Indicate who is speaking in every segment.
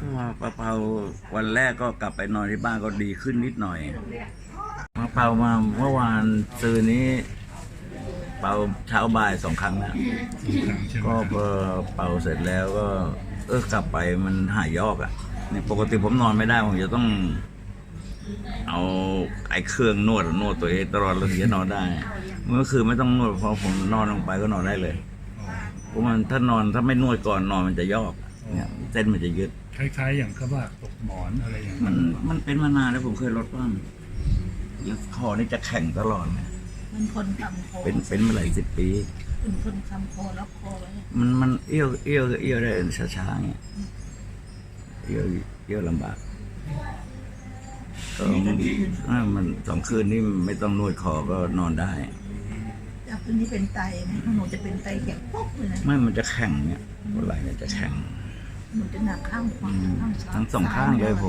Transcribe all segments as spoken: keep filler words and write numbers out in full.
Speaker 1: ก็มาเป่าวันแรกก็กลับไปนอนที่บ้านก็ดีขึ้นนิดหน่อยมาเป่ามาเมื่อวานซื้อนี้ เป่าเช้าบ่ายสองครั้งนะก็พอเป่าเสร็จแล้วก็ เออกลับไปมันหายยอกอ่ะเนี่ยปกติผมนอนไม่ได้ผมจะต้อง เอาไอ้เครื่องนวดนวดตัวเองตลอดเลยถึงจะนอนได้เมื่อคืนไม่ต้องนวดพอผมนอนลงไปก็นอนได้เลยเพราะมันถ้านอนถ้าไม่นวดก่อนนอนมันจะยอกเนี่ยเส้นมันจะยึด
Speaker 2: คล้ายๆอย่างเขาว่าตกหมอนอะไรอย่าง
Speaker 1: มันมันเป็นมานานแล้วผมเคยลดบ้างแล้วคอนี่จะแข็งตลอดเลย
Speaker 3: มันคนคำโค
Speaker 1: เป็นเป็นมาหลายสิบปี
Speaker 3: เป็นคนคำโคแล้วโคไว้
Speaker 1: มันมันเอี้ยวเอี้ยวเอี้ยวได้ช้าๆเงี้ยเอี้ยวเอี้ยวลำบากก็มันสองคืนนี่ไม่ต้องนวดคอก็นอนได้
Speaker 3: จากคืนนี้เป็นไตไหมหนูจะเป็นไตแข็งปุ๊บเลยนะ
Speaker 1: ไม่มันจะแข็งเนี่ยหัวไหล่เนี่ยจะแข็ง
Speaker 3: หนูจะหนักข้างขวาข้างซ้าย
Speaker 1: ทั้งสองข้างเลยผม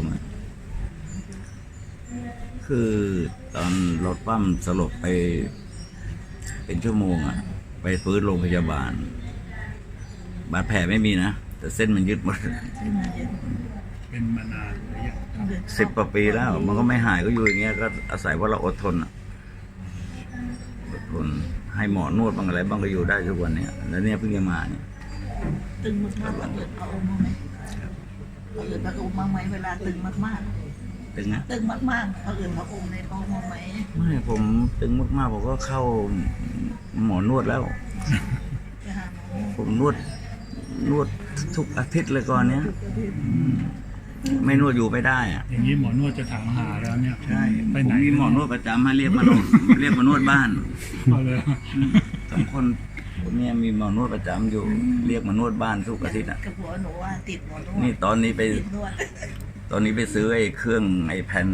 Speaker 1: คือตอนรถปั้มสลบไปเป็นชั่วโมงอ่ะไปฟื้นโรงพยาบาลบาดแผลไม่มีนะแต่เส้นมันยึดหมด
Speaker 2: เป็นมานานหรือยัง
Speaker 1: สิบกว่าปีแล้วมันก็ไม่หายก็อยู่อย่างเงี้ยก็อาศัยว่าเราอดทนอ่ะอดทนให้หมอนวดบ้างอะไรบ้างก็อยู่ได้ทุกวันเนี้ยแล้วเนี่ยเพิ่งจะมาเนี่ย
Speaker 3: ตึงมากๆเราเกิดเอาอมมาไหมเราเกิดมาอมมาไหมเวลาตึงมากๆ
Speaker 1: ตึงนะ
Speaker 3: ตึงมากๆเราเกิดมาอมในท้องมาไหม
Speaker 1: ไม่ผมตึงมากๆผมก็เข้าหมอนวดแล้วผมนวดนวดทุกอาทิตย์เลยก่อนเนี้ยไม่นวดอยู่ไม่ได้อะ
Speaker 2: อย่างนี้หมอนวดจะถามหาแล้วเนี่ย
Speaker 1: ใช่ไปไหนมีหมอนวดประจำให้เรียกมานวดเรียกมานวดบ้านสองคนคนนี้มีหมอนวดประจำอยู่เรียกมานวดบ้านทุกอาทิตย์อ่ะ
Speaker 3: กับหัวหนูว่าติดหมอนวด
Speaker 1: นี่ตอนนี้ไปตอนนี้ไปซื้อไอ้เครื่องไอ้แผ่น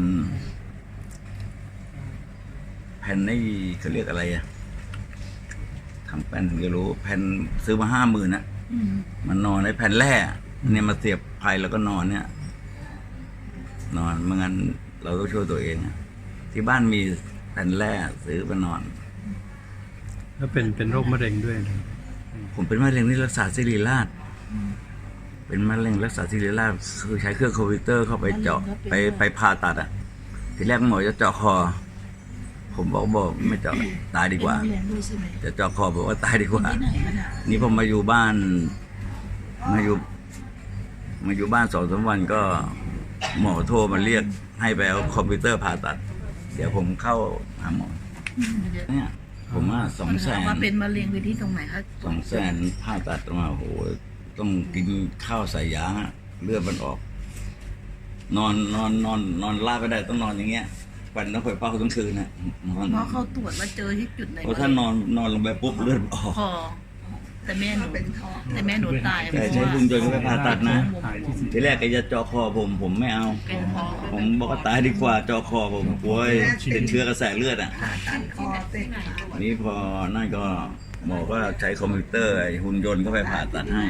Speaker 1: แผ่นไอ้เขาเรียกอะไรอะทำแผ่นถึงจะรู้แผ่นซื้อมาห้าหมื่นนะมันนอนในแผ่นแร่เนี่ยมาเสียบไฟแล้วก็นอนเนี่ยนอนเมื่องั้นเราต้องช่วยตัวเองที่บ้านมีแผ่นแร่ซื้อมานอน
Speaker 4: แล้วเป็นเป็นโรคมะเร็งด้วย
Speaker 1: ผมเป็นมะเร็งที่รักษาศิริราชเป็นมะเร็งรักษาศิริราชคือใช้เครื่องคอมพิวเตอร์เข้าไปเจาะไปไปผ่าตัดอ่ะทีแรกหมอจะเจาะคอผมบอกบอกไม่เจาะตายดีกว่าจะเจาะคอบอกว่าตายดีกว่านี่ผมมาอยู่บ้านมาอยู่มาอยู่บ้านสองสามวันก็หมอโทรมาเรียกให้ไปเอาคอมพิวเตอร์ผ่าตัดเดี๋ยวผมเข้าหาหมอเนี่ยผมว่าสองแสน
Speaker 3: ว่าเป็นมะเร็งไปที่ตรงไหนคะ
Speaker 1: สองแสนผ่าตัดมาโอ้โหต้องกินข้าวใส่ยาเลือดมันออกนอนนอนนอนนอนลาบไม่ได้ต้องนอนอย่างเงี้ยวันต้องคอยเฝ้าทั้งคืนนะ
Speaker 3: เพราะเขาตรวจว่าเจอที่จุดไหน
Speaker 1: เพราะถ้านอนนอนลงไปปุ๊บเลือดออก
Speaker 3: แต่แม่หนูแต่แม่หนูตาย
Speaker 1: แต่ใช้บุญจนไปผ่าตัดนะทีแรกแกจะเจาะคอผมผมไม่เอาผมบอกว่าตายดีกว่าเจาะคอผมกลัวเป็นเชื้อกระแสเลือดอ่ะนี่พอนั่นก็หมอก็ใช้คอมพิวเตอร์หุ่นยนต์เข้าไปผ่าตัดให้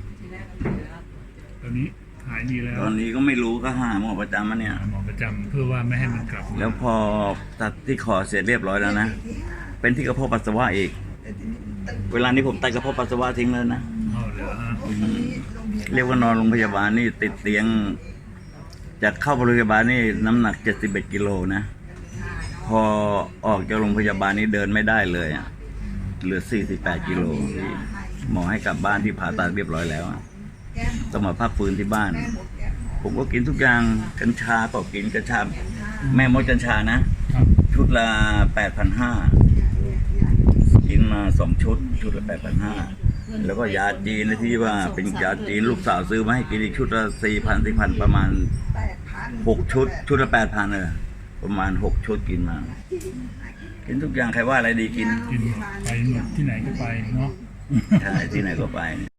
Speaker 2: ตอนนี้หายดีแล้ว
Speaker 1: ตอนนี้ก็ไม่รู้ก็หาหมอประจำมาเนี่ย
Speaker 2: หมอประจำเพื่อว่าไม่ให้มันกลับ
Speaker 1: แล้วพอตัดที่คอเสร็จเรียบร้อยแล้วนะเป็นที่กระเพาะปัสสาวะอีกเวลานี้ผมตัดกระเพาะปัสสาวะทิ้งเลยนะเรียกว่านอนโรงพยาบาลนี่ติดเตียงจากเข้าโรงพยาบาลนี่น้ำหนักเจ็ดสิบเอ็ดกิโลนะพอออกจากโรงพยาบาลนี่เดินไม่ได้เลยอ่ะเหลือสี่สิบแปดกิโลหมอให้กลับบ้านที่ผ่าตัดเรียบร้อยแล้วต้องมาพักฟื้นที่บ้านผมก็กินทุกอย่างกัญชาก็กินกัญชาแม่มดกัญชานะชุดละแปดพันห้ากินมาสองชุดชุดละแปดพันห้าแล้วก็ยาจีนที่ว่าเป็นยาจีนลูกสาวซื้อมาให้กินอีกชุดละสี่พันสี่พันประมาณหกชุดชุดละแปดพันเลยประมาณหกชุดกินมากินทุกอย่างใครว่าอะไรดีกิน
Speaker 2: กินไปที่ไหนก็ไปเนาะ
Speaker 1: ใช่ที่ไหนก็ไป